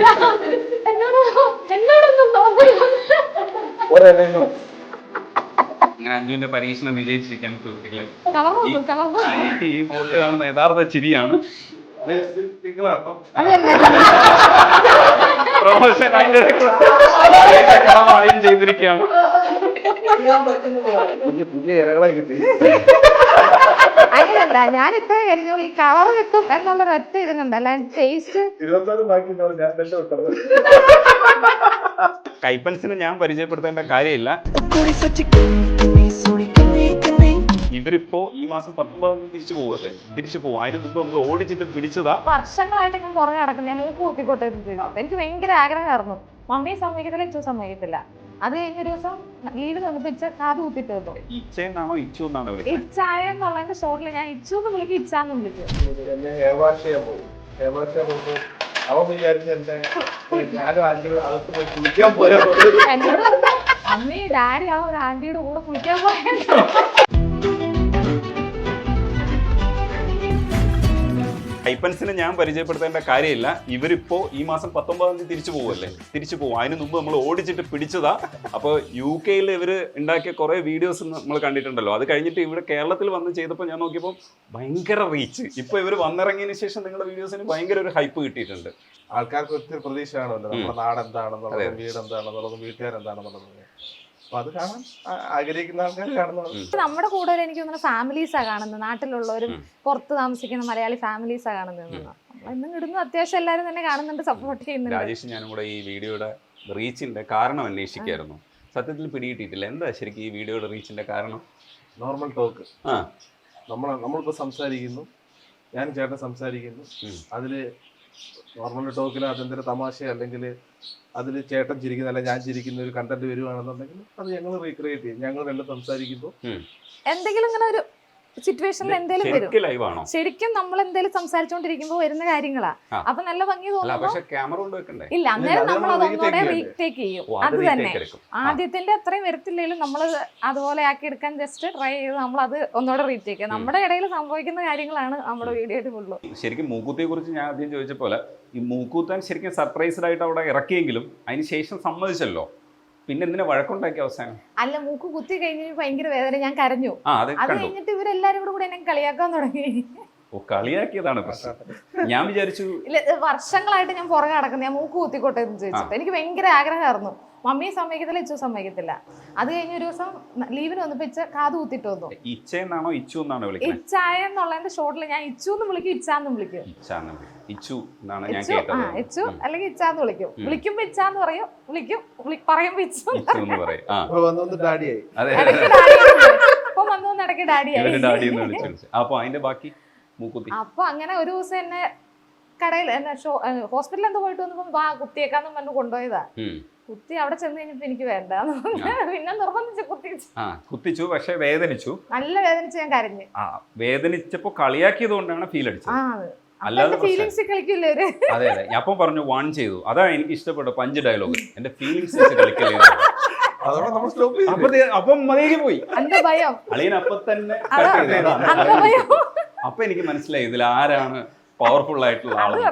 അങ്ങനെ അഞ്ജുവിന്റെ പരീക്ഷണം വിജയിച്ചിരിക്കാൻ സുഹൃത്തുക്കളെ ഈ ഫോട്ടോ കാണുന്ന യഥാർത്ഥ ചിരിയാണ്. പ്രൊമോഷൻ അതിന്റെ ചെയ്തിരിക്കുകയാണ്. അങ്ങനെയല്ല, ഞാൻ ഇത്ര കഴിഞ്ഞു ഈ കളർ വെക്കും എന്നുള്ളൊരു ഒറ്റ ഇത് കണ്ടല്ല ടേസ്റ്റ്. കൈപ്പൻസിനെ ഞാൻ പരിചയപ്പെടുത്തേണ്ട കാര്യമില്ല. ഇവരിപ്പോ ഈ മാസം 19 തിരിച്ചു പോകും. അതിന് മുമ്പ് നമ്മൾ ഓടിച്ചിട്ട് പിടിച്ചതാ. വർഷങ്ങളായിട്ട് ഞാൻ പുറകെ നടക്കും. ഞാൻ കൂട്ടിക്കോട്ടെ എനിക്ക് ഭയങ്കര ആഗ്രഹമായിരുന്നു. മമ്മി സമ്മതിക്കത്തില്ല, ഇച്ചു സമ്മതിക്കത്തില്ല. അത് കഴിഞ്ഞൊരു ദിവസം ലീവ് തന്നിട്ട് കാത് കുത്തിട്ട് വന്നു. ഇച്ചയെന്നാണോ ഇച്ചു എന്നാണോ? ഇച്ചായ എന്നുള്ളതിന്റെ ഷോട്ടിൽ ഞാൻ ഇച്ചു എന്ന് വിളിക്കും, ഇച്ചാന്ന് വിളിക്കും. എന്നോട് അമ്മി ഡാഡി ആ ഒരു ആന്റിയുടെ കൂടെ കുളിക്കാൻ പോയത്. കൈപ്പൻസിനെ ഞാൻ പരിചയപ്പെടുത്തേണ്ട കാര്യമില്ല. ഇവരിപ്പോ ഈ മാസം 19 തിരിച്ചു പോകും. അതിന് മുമ്പ് നമ്മൾ ഓടിച്ചിട്ട് പിടിച്ചതാ. അപ്പോൾ UK ഇവര് ഉണ്ടാക്കിയ കുറെ വീഡിയോസ് നമ്മൾ കണ്ടിട്ടുണ്ടല്ലോ. അത് കഴിഞ്ഞിട്ട് ഇവിടെ കേരളത്തിൽ വന്ന് ചെയ്തപ്പോൾ ഞാൻ നോക്കിയപ്പോൾ ഭയങ്കര റീച്ച്. ഇപ്പൊ ഇവർ വന്നിറങ്ങിയതിന് ശേഷം നിങ്ങളുടെ വീഡിയോസിന് ഭയങ്കര ഒരു ഹൈപ്പ് കിട്ടിയിട്ടുണ്ട്. ആൾക്കാർക്ക് ഒത്തിരി പ്രതീക്ഷ കാണുമല്ലോ, നമ്മുടെ നാട് എന്താണെന്നുള്ളത്, വീട് എന്താണെന്നുള്ളത്, വീട്ടുകാരെന്താണെന്നുള്ളത്. അത് കാണാൻ ആഗ്രഹിക്കുന്ന ആൾക്കാർ കാണുന്നത്. നമ്മുടെ കൂടുതൽ എനിക്ക് തോന്നുന്നു ഫാമിലീസാ കാണുന്നത്. നാട്ടിലുള്ളവരും പുറത്ത് താമസിക്കുന്ന മലയാളി ഫാമിലീസാ കാണുന്നത്. ഇന്നും ഇടുന്നു, അത്യാവശ്യം എല്ലാവരും തന്നെ കാണുന്നുണ്ട്, സപ്പോർട്ട് ചെയ്യുന്നുണ്ട്. രാജേഷ് ഞാനും കൂടെ ഈ വീഡിയോയുടെ റീച്ചിന്റെ കാരണം അന്വേഷിക്കായിരുന്നു. സത്യത്തിൽ പിടികിട്ടിയിട്ടില്ല. എന്താ ശരിക്കും ഈ വീഡിയോയുടെ റീച്ചിന്റെ കാരണം? Normal talk. നമ്മളിപ്പോ സംസാരിക്കുന്നു, ഞാൻ ചേട്ടൻ സംസാരിക്കുന്നു, അതില് നോർമൽ ടോക്കിൽ അതെന്തൊരു തമാശ അല്ലെങ്കിൽ അതിൽ ചേട്ടൻ ചിരിക്കുന്ന അല്ല ഞാൻ ചിരിക്കുന്ന ഒരു കണ്ടന്റ് വരുവാണെന്നുണ്ടെങ്കിൽ അത് ഞങ്ങൾ റീക്രിയേറ്റ് ചെയ്യും. ഞങ്ങൾ രണ്ടും സംസാരിക്കുമ്പോൾ എന്തെങ്കിലും ഇങ്ങനെ ഒരു സിറ്റുവേഷനിൽ എന്തെങ്കിലും വരും. ശരിക്കും നമ്മൾ എന്തെങ്കിലും സംസാരിച്ചോണ്ടിരിക്കുമ്പോ വരുന്ന കാര്യങ്ങളാ. അപ്പൊ നല്ല ഭംഗി തോന്നുന്നു. ഇല്ല, അന്നേരം നമ്മൾ അതൊന്നുകൂടെ റീടേക്ക് ചെയ്യും. അത് തന്നെ ആദ്യത്തിന്റെ അത്രയും വരത്തില്ലെങ്കിലും നമ്മൾ അതുപോലെ ആക്കി എടുക്കാൻ ജസ്റ്റ് ട്രൈ ചെയ്ത് നമ്മൾ അത് ഒന്നുകൂടെ റീടേക്ക് ചെയ്യാം. നമ്മുടെ ഇടയിൽ സംഭവിക്കുന്ന കാര്യങ്ങളാണ് നമ്മുടെ വീഡിയോയിൽ ഫുള്ള്. ശരിക്കും മൂക്കൂത്തിയെ കുറിച്ച് ഞാൻ ആദ്യം ചോദിച്ച പോലെ ഈ മൂക്കൂത്താൻ ശരിക്കും സർപ്രൈസ്ഡ് ആയിട്ട് അവിടെ ഇറക്കിയെങ്കിലും അതിന് ശേഷം സമ്മതിച്ചല്ലോ. പിന്നെ എന്തിനാ വഴക്കുണ്ടാക്കി അവസാനം? അല്ല, മൂക്ക് കുത്തി കഴിഞ്ഞിട്ട് ഭയങ്കര വേദന, ഞാൻ കരഞ്ഞു. അത് കഴിഞ്ഞിട്ട് ഇവരെല്ലാരും കൂടെ എന്നെ കളിയാക്കാൻ തുടങ്ങി. കളിയാക്കിയതാണ് പ്രശ്നം. ഞാൻ വിചാരിച്ചു വർഷങ്ങളായിട്ട് ഞാൻ പുറകെ നടക്കുന്നത്, ഞാൻ മൂക്ക് കുത്തിക്കോട്ടെ എന്ന് ചോദിച്ചിട്ട്. എനിക്ക് ഭയങ്കര ആഗ്രഹമായിരുന്നു. മമ്മി സമ്മതിക്കത്തില്ല, ഇച്ചു സമ്മതിക്കത്തില്ല. അത് കഴിഞ്ഞ ഒരു ദിവസം ലീവിന് വന്നപ്പോ കാത് കുത്തിട്ട് വന്നു. ഇച്ചയെന്നാണോ ഇച്ചു എന്നാണോ വിളിക്കുന്നത്? ഇച്ചായ എന്നുള്ളതിന്റെ ഷോട്ടിൽ ഞാൻ ഇച്ചു എന്ന് വിളിക്കും, ഇച്ചാന്ന് വിളിക്കും. ഇച്ചു എന്നാണ് ഞാൻ കേട്ടത്. ഇച്ചു അല്ലെങ്കിൽ ഇച്ചാന്ന് വിളിക്കും. വിളിക്കുമ്പോ ഇച്ചാന്ന് പറയും, വിളിക്കും പറയുമ്പോ ഇച്ചു എന്ന് പറയും. അപ്പൊ വന്നു ഇടയ്ക്ക് ഡാഡിയായി. അപ്പൊ അതിന്റെ ബാക്കി മൂക്കുത്തി. അപ്പൊ അങ്ങനെ ഒരു ദിവസം എന്നെ കടയിൽ ഹോസ്പിറ്റലിൽ എന്തോ പോയിട്ട് വന്നപ്പോ കുത്തിയേക്കാന്നും പറഞ്ഞു കൊണ്ടുപോയതാ. കുത്തി അവിടെ ചെന്ന് കഴിഞ്ഞപ്പോ എനിക്ക് വേണ്ട, പിന്നെ നിർബന്ധിച്ച് കുത്തിച്ചു. പക്ഷെ വേദനിച്ചു, നല്ല വേദനിച്ച് ഞാൻ കരഞ്ഞു. വേദനിച്ചപ്പോ കളിയാക്കിയത് കൊണ്ടാണ് ഫീൽ അടിച്ചത്. അല്ലാതെ ഫീലിംഗ്സ് കളിക്കില്ലേ? അതെ അതെ, അപ്പം പറഞ്ഞു വാൺ ചെയ്തു. അതാണ് എനിക്ക് ഇഷ്ടപ്പെട്ട പഞ്ച് ഡയലോഗ്. എന്റെ ഫീലിംഗ്സ് കളിക്കല്ലേ. അപ്പം മതിയേക്ക് പോയി അളിയൻ. അപ്പൊ തന്നെ അപ്പൊ എനിക്ക് മനസ്സിലായി ഇതിൽ ആരാണ് പവർഫുൾ ആയിട്ടുള്ള ആള്.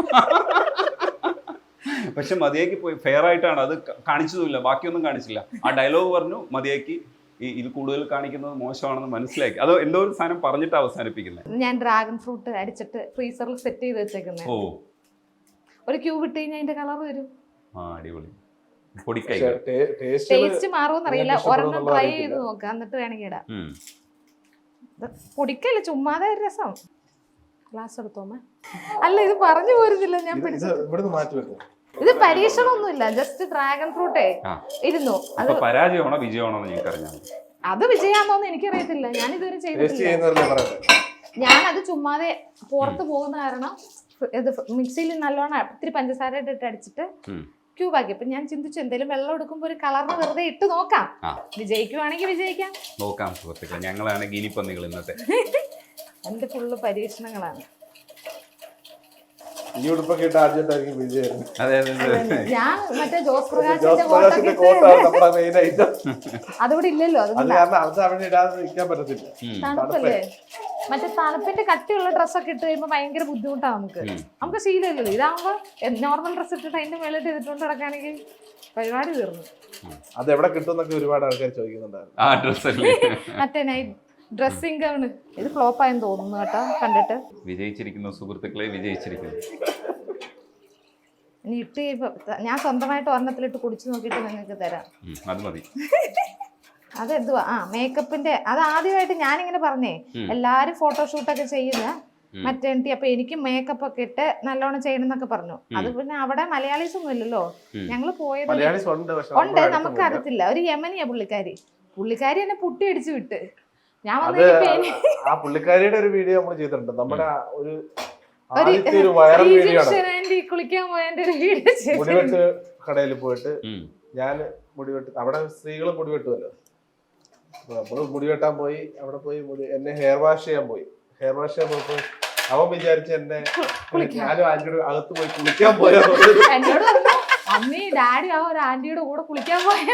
പക്ഷെ മതിയാക്കി പോയി. ഫെയർ ആയിട്ടാണ് അത് കാണിച്ചതുമില്ല, ബാക്കിയൊന്നും കാണിച്ചില്ല. ആ ഡയലോഗ് പറഞ്ഞു മതിയാക്കി. ഇത് കൂടുതൽ കാണിക്കുന്നത് മോശമാണെന്ന് മനസ്സിലാക്കി. അത് എന്തോ ഒരു സാധനം പറഞ്ഞിട്ട് അവസാനിപ്പിക്കുന്നത്. ഞാൻ ഡ്രാഗൺ ഫ്രൂട്ട് അടിച്ചിട്ട് ഫ്രീസറിൽ സെറ്റ് ചെയ്ത് വെച്ചേക്കുന്നത്. ഒരു ക്യൂബ് ഇട്ട് കഴിഞ്ഞാൽ അതിന്റെ കളർ വരും. അടിപൊളി. ടേസ്റ്റ് മാറുമെന്നറിയില്ല. ഒരെണ്ണം ട്രൈ ചെയ്ത് നോക്കാം, എന്നിട്ട് വേണമെങ്കിൽ ഇടാം. പൊടിക്കല്ല, ചുമ്മാതെ ഒരു രസം. ഗ്ലാസ് എടുത്തോമേ. അല്ല, ഇത് പറഞ്ഞു പോരുന്നില്ല. ഞാൻ ഇത് പരീക്ഷണമൊന്നുമില്ല, ജസ്റ്റ് ഡ്രാഗൺ ഫ്രൂട്ടേ ഇരുന്നു. അത് പരാജയമാണോ വിജയമാണോ? അത് വിജയാണോന്ന് എനിക്കറിയത്തില്ല, ഞാൻ ഇതുവരെ ചെയ്തിട്ടില്ല. ഞാനത് ചുമ്മാതെ പുറത്ത് പോകുന്ന കാരണം ഇത് മിക്സിയിൽ നല്ലോണം ഇത്തിരി പഞ്ചസാര ഇട്ടിട്ട് അടിച്ചിട്ട് ക്യൂബാക്കി. അപ്പൊ ഞാൻ ചിന്തിച്ചു എന്തെങ്കിലും വെള്ളം എടുക്കുമ്പോ ഒരു കളറിന് വെറുതെ ഇട്ട് നോക്കാം, വിജയിക്കുവാണെങ്കിൽ വിജയിക്കാം. നോക്കാം സുഹൃത്തുക്കളെ, ഞങ്ങളാണ് ഗിനിപ്പന്നികൾ ഇന്നത്തെ. എന്റെ ഫുള്ള് പരീക്ഷണങ്ങളാണ്. ഞാൻ മറ്റേ ജോസ് പ്രകാശിന്റെ അതുകൂടെ ഇല്ലല്ലോ. തണുപ്പല്ലേ? മറ്റേ തണുപ്പിന്റെ കട്ടിയുള്ള ഡ്രസ്സൊക്കെ ഇട്ട് കഴിയുമ്പോൾ ഭയങ്കര ബുദ്ധിമുട്ടാണ് നമുക്ക് ശീലമില്ലല്ലോ. ഇതാകുമ്പോ നോർമൽ ഡ്രസ്സ് ഇട്ടിട്ട് അതിന്റെ മേളിട്ട് ചെയ്തിട്ടുണ്ട് കിടക്കുകയാണെങ്കിൽ പരിപാടി തീർന്നു. അത് എവിടെ കിട്ടുമെന്നൊക്കെ ഒരുപാട് ആൾക്കാർ ചോദിക്കുന്നുണ്ടായിരുന്നു. ആ ഡ്രസ്സല്ലേ മറ്റേ നൈറ്റ് ഡ്രസ്സിംഗ് ഗൗണ്. ഇത് ഫ്ലോപ്പ് ആയെന്ന് തോന്നുന്നു കേട്ടോ കണ്ടിട്ട്. വിജയിച്ചിരിക്കുന്നു സുഹൃത്തുക്കളെ, വിജയിച്ചിരിക്കുന്നു. ഇനി ഇട്ട് കഴിയുമ്പോ ഞാൻ സ്വന്തമായിട്ട് ഒരെണ്ണത്തിലിട്ട് കുടിച്ചു നോക്കിയിട്ട് നിങ്ങൾക്ക് തരാം. അത് മതി. അതെന്തുവാ മേക്കപ്പിന്റെ അത് ആദ്യമായിട്ട് ഞാനിങ്ങനെ പറഞ്ഞേ എല്ലാരും ഫോട്ടോഷൂട്ടൊക്കെ ചെയ്യുന്ന മറ്റേ അപ്പൊ എനിക്ക് മേക്കപ്പ് ഒക്കെ ഇട്ട് നല്ലോണം ചെയ്യണം എന്നൊക്കെ പറഞ്ഞു. അത് പിന്നെ അവിടെ മലയാളീസ് ഒന്നും ഇല്ലല്ലോ. ഞങ്ങള് പോയത് ഉണ്ട്, നമുക്ക് അറിയത്തില്ല. ഒരു യമനിയാ പുള്ളിക്കാരി എന്നെ പുട്ടി അടിച്ചു വിട്ട്. ഞാൻ ആ പുള്ളിക്കാരിയുടെ ഒരു വീഡിയോ നമ്മൾ ചെയ്തിട്ടുണ്ട്. നമ്മുടെ ഒരു കുളിക്കാൻ പോയതിന്റെ ഒരു വീഡിയോ മുടിവെട്ട് കടയിൽ പോയിട്ട് ഞാൻ മുടിവെട്ട്, അവിടെ സ്ത്രീകൾ മുടിവെട്ടുമല്ലോ. നമ്മള് മുടി വെട്ടാൻ പോയി, അവിടെ പോയി എന്നെ ഹെയർ വാഷ് ചെയ്യാൻ പോയപ്പോ അവൻ വിചാരിച്ച എന്നെ ഞാനും ആന്റിയുടെ അകത്ത് പോയി കുളിക്കാൻ പോയാ. എന്നോട് അമ്മി ഡാഡി ആ ഒരു ആന്റിയുടെ കൂടെ കുളിക്കാൻ പോയ.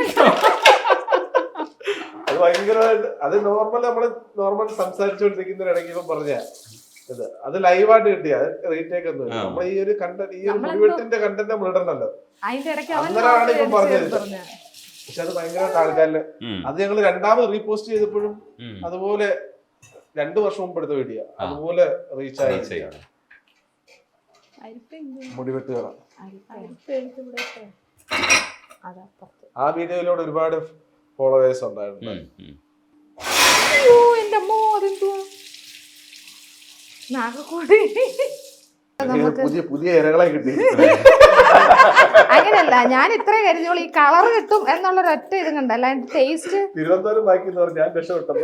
അത് ഭയങ്കരമായിട്ട് അത് നോർമൽ സംസാരിച്ചുകൊണ്ടിരിക്കുന്നതിനിടയ്ക്ക് ഇപ്പം പറഞ്ഞ ഇത് അത് ലൈവായിട്ട് കിട്ടിയ റീടേക്ക് ഒന്നും നമ്മൾ ഈ ഒരു കണ്ടന്റ്, ഈ ഒരു മുടിവെട്ടിന്റെ കണ്ടന്റ് നമ്മൾ ഇടണല്ലോ. അന്നേരമാണ് ഇപ്പം പറഞ്ഞത്. പക്ഷെ അത് ഭയങ്കരമായിട്ട് ആൾക്കാരില് അത് ഞങ്ങൾ രണ്ടാമത് റീപോസ്റ്റ് ചെയ്തപ്പോഴും അതുപോലെ 2 വർഷം മുമ്പ് എടുത്ത വീഡിയോ അതുപോലെ റീച്ച് ആയി. മുടിവെട്ടുകാർ ആ വീഡിയോയിലൂടെ ഒരുപാട് ഫോളോവേഴ്സ് ഉണ്ടായിരുന്നു. പുതിയ ഇരകളെ കിട്ടി. അങ്ങനെയല്ല, ഞാൻ ഇത്രേ കരുതിയോളൂ ഈ കളർ കിട്ടും എന്നുള്ളൊരു ഒറ്റ ഇത് കണ്ട, അല്ലാണ്ട് ടേസ്റ്റ് തിരുവനന്തപുരം ബാക്കി ഞാൻ രക്ഷപ്പെട്ടത്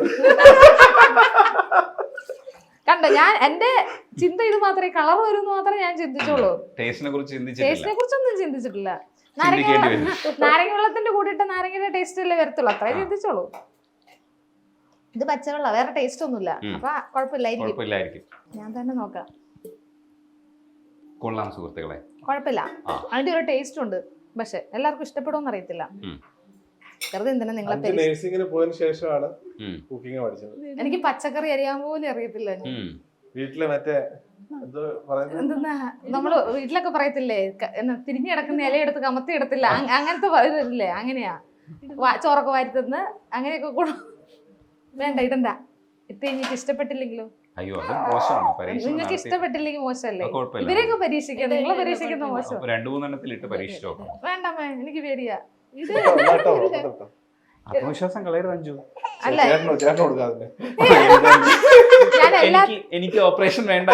കണ്ടോ. ഞാൻ എന്റെ ചിന്ത ഇത് മാത്രമേ കളർ വരും മാത്രമേ ഞാൻ ചിന്തിച്ചോളൂ. ടേസ്റ്റിനെ കുറിച്ചൊന്നും ചിന്തിച്ചിട്ടില്ല. നാരങ്ങ വെള്ളത്തിന്റെ കൂടിയിട്ട് നാരങ്ങയുടെ ടേസ്റ്റ് അല്ലേ വരത്തുള്ളൂ, അത്രേ ചിന്തിച്ചോളൂ. ഇത് പച്ചവെള്ള, വേറെ ടേസ്റ്റ് ഒന്നുമില്ല. അപ്പൊ കുഴപ്പമില്ലായിരിക്കും. ഞാൻ തന്നെ നോക്കാം. കൊള്ളാം സുഹൃത്തുക്കളെ, കുഴപ്പമില്ല. അതിന്റെ ഒരു ടേസ്റ്റ് ഉണ്ട്, പക്ഷെ എല്ലാവർക്കും ഇഷ്ടപ്പെടുമെന്ന് അറിയത്തില്ല. വെറുതെ എന്തിനാ നിങ്ങളെ നഴ്സിംഗിന് പോയതിനു ശേഷമാണ് കുക്കിംഗ് പഠിച്ചത്. എനിക്ക് പച്ചക്കറി അറിയാൻ പോലും അറിയത്തില്ല. വീട്ടില് മറ്റേ എന്തെന്നാ നമ്മള് വീട്ടിലൊക്കെ പറയത്തില്ലേ, തിരിഞ്ഞു കിടക്കുന്ന ഇലയെടുത്ത് കമത്തി എടുത്തില്ല, അങ്ങനത്തെ ഇല്ലേ, അങ്ങനെയാ. ചോറൊക്കെ വാരിത്തന്ന് അങ്ങനെയൊക്കെ കൂടെ വേണ്ട ഇടണ്ട. ഇട്ട് കഴിഞ്ഞിട്ട് ഇഷ്ടപ്പെട്ടില്ലെങ്കിലോ? അയ്യോ അത് മോശമാണ്. നിങ്ങൾക്ക് ഇഷ്ടപ്പെട്ടില്ലെങ്കിൽ മോശമല്ലേ? ഇവരെയൊക്കെ പരീക്ഷിക്കാം, നിങ്ങളെ പരീക്ഷിക്കുന്ന മോശം. 2-3 എണ്ണത്തിലിട്ട് പരീക്ഷിച്ചോ. വേണ്ടമ്മേ, എനിക്ക് പേടിയാ. ആത്മവിശ്വാസം കളയരുത് അഞ്ജു. അല്ല എനിക്ക് ഓപ്പറേഷൻ വേണ്ട.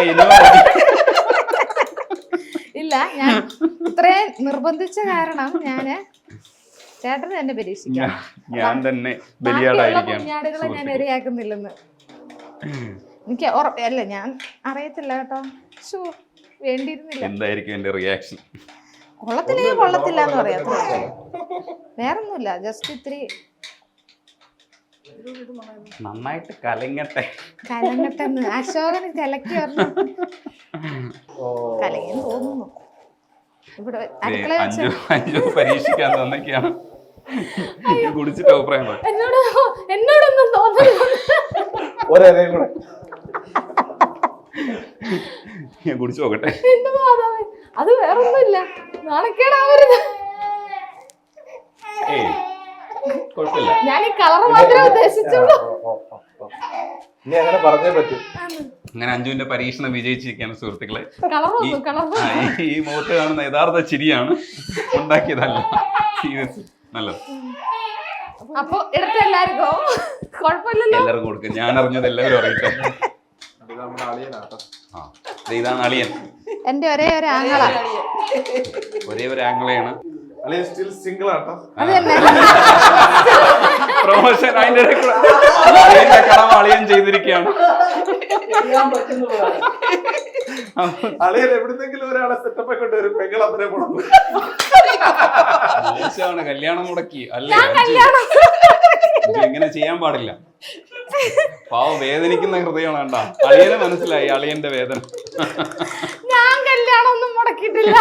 ഇല്ല, ഞാൻ ഇത്രയും നിർബന്ധിച്ച കാരണം ഞാന് ചേട്ടന് തന്നെ പരീക്ഷിക്കാം. ഞാൻ തന്നെ ബലിയാടായിരിക്കാം. കുഞ്ഞാടുകളെ ഞാൻ ഇരയാക്കുന്നില്ലെന്ന് എനിക്ക് അല്ല, ഞാൻ അറിയത്തില്ല കേട്ടോ. വേണ്ടിയിരുന്നില്ല. എന്തായിരിക്കും എന്റെ റിയാക്ഷൻ? കൊള്ളത്തില്ലെങ്കിൽ കൊള്ളത്തില്ല എന്ന് പറയാം, വേറൊന്നുമില്ല. ജസ്റ്റ് ഇത്തിരി നന്നായിട്ട് കലങ്ങട്ടെ. അശോകന് കലക്കി പറഞ്ഞു. കലങ്ങിയെന്ന് തോന്നുന്നു. ഇവിടെ അടുക്കള അഞ്ജു പരീക്ഷിക്കാൻ തന്നൊക്കെയാണ് കുടിച്ചിട്ട് അഭിപ്രായം. എന്നോടൊന്നും തോന്നുന്നു. ഞാൻ കുടിച്ചു നോക്കട്ടെ. അത് വേറൊന്നുമില്ല, നാണക്കേടാവരുത്. കുഴപ്പമില്ല, ഞാൻ ഈ കളർ മാത്രമേ ഉദ്ദേശിച്ചുള്ളൂ. അങ്ങനെ അഞ്ജുവിന്റെ പരീക്ഷണം വിജയിച്ചിരിക്കുകയാണ് സുഹൃത്തുക്കളെ. ഈ മുഖത്ത് കാണുന്ന യഥാർത്ഥ ചിരിയാണ്, ഉണ്ടാക്കിയതല്ല. സീരിയസ് നല്ലത്. അപ്പൊ എടുത്ത എല്ലാവർക്കും കുഴപ്പമില്ലല്ലോ, എല്ലാവർക്കും കൊടുക്കും. ഞാൻ അറിഞ്ഞത് എല്ലാവരും അറിയിട്ടെ. ഇതാണ് അളിയൻ, എന്റെ ഒരേ ഒരു ആങ്ങള. ഒരേ ഒരു ആംഗിളാണ്. പ്രൊമോഷൻ അതിന്റെ കടമ അളിയൻ ചെയ്തിരിക്കുകയാണ്. അളിയൻ എവിടുന്നെങ്കിലും ഒരാളെ സെറ്റപ്പ് ഒക്കെ കൊണ്ടുവരും. കല്യാണം മുടക്കി അല്ലേ? ഇങ്ങനെ ചെയ്യാൻ പാടില്ല. പാവം വേദനിക്കുന്ന ഹൃദയമാണ്. കണ്ടാ, അളിയനെ മനസ്സിലായി അളിയന്റെ വേദന. ഞാൻ കല്യാണം ഒന്നും മുടക്കിയിട്ടില്ല.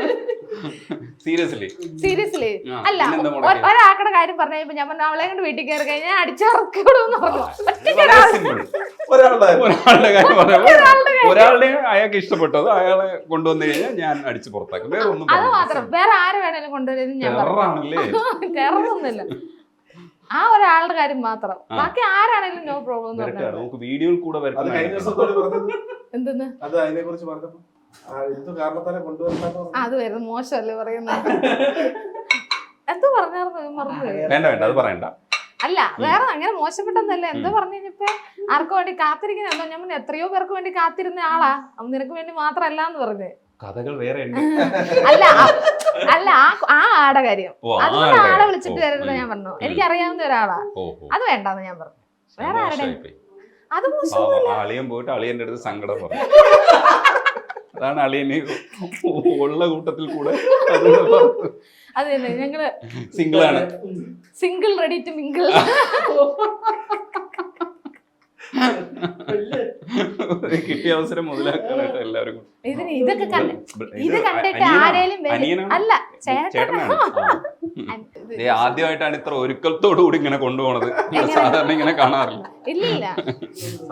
സീരിയസ്ലി അല്ല, ഒരാക്കടെ കാര്യം പറഞ്ഞു. ഞാൻ പറഞ്ഞു അവളെ കൊണ്ട് വീട്ടിൽ കയറി കഴിഞ്ഞാൽ അടിച്ചിറക്കിവിടുമെന്ന് പറഞ്ഞു. ഒരാളുടെ കാര്യം പറയുമ്പോൾ ഒരാളുടെ അയാൾക്ക് ഇഷ്ടപ്പെട്ടത് അയാളെ കൊണ്ടുവന്നു കഴിഞ്ഞാൽ ഞാൻ അടിച്ചു പുറത്താക്കും. വേറെ ഒന്നും അത് മാത്രം. വേറെ ആര് വേണേലും കൊണ്ടുവരുന്നത് ഞാൻ ടെററാണല്ലേ? ടെററൊന്നുമില്ല. ആ ഒരാളുടെ കാര്യം മാത്രം. ബാക്കി ആരാണെങ്കിലും നോ പ്രോബ്ലം. നമുക്ക് വീഡിയോയിൽ കൂടെ എന്തെന്ന് അത് അതിനെ കുറിച്ച് പറഞ്ഞപ്പോ അത് വരുന്നത് മോശമല്ലേ പറയുന്നത്? എന്തോ പറഞ്ഞായിരുന്നു, മറന്നുപോയി. വേണ്ട അത് പറയണ്ട. അല്ല വേറെ അങ്ങനെ മോശപ്പെട്ടതല്ല. എന്തോ പറഞ്ഞു കഴിഞ്ഞപ്പോ ആർക്കു വേണ്ടി കാത്തിരിക്കുന്ന ഞാൻ എത്രയോ പേർക്ക് വേണ്ടി കാത്തിരുന്ന ആളാ, നിനക്ക് വേണ്ടി മാത്രല്ല എന്ന് പറഞ്ഞു. കഥകൾ വേറെ അല്ല ആ ആടെ കാര്യം. അതുകൊണ്ട് ആളെ വിളിച്ചിട്ട് വരരുത് ഞാൻ പറഞ്ഞു. എനിക്കറിയാവുന്ന ഒരാളാ, അത് വേണ്ടെന്ന് ഞാൻ പറഞ്ഞു. വേറെ ആരുടെ അത് അളിയൻ പോയിട്ട് അളിയന്റെ അടുത്ത് സങ്കടം പറഞ്ഞു. അതാണ് അളിയന് ഉള്ള കൂട്ടത്തിൽ കൂടെ അത് തന്നെ. ഞങ്ങള് സിംഗിൾ ആണ്, സിംഗിൾ റെഡി ടു മിംഗിൾ. കിട്ടിയ അവസരം മുതലാക്കാനായിട്ട് എല്ലാവരും. ഇതൊക്കെ കണ്ടിട്ട് ആരേലും അല്ല ചേട്ടനാണ് ആദ്യമായിട്ടാണ് ഇത്ര ഒരുക്കത്തോടു കൂടി ഇങ്ങനെ കൊണ്ടുപോണത്. സാധാരണ ഇങ്ങനെ കാണാറില്ല. ഇല്ല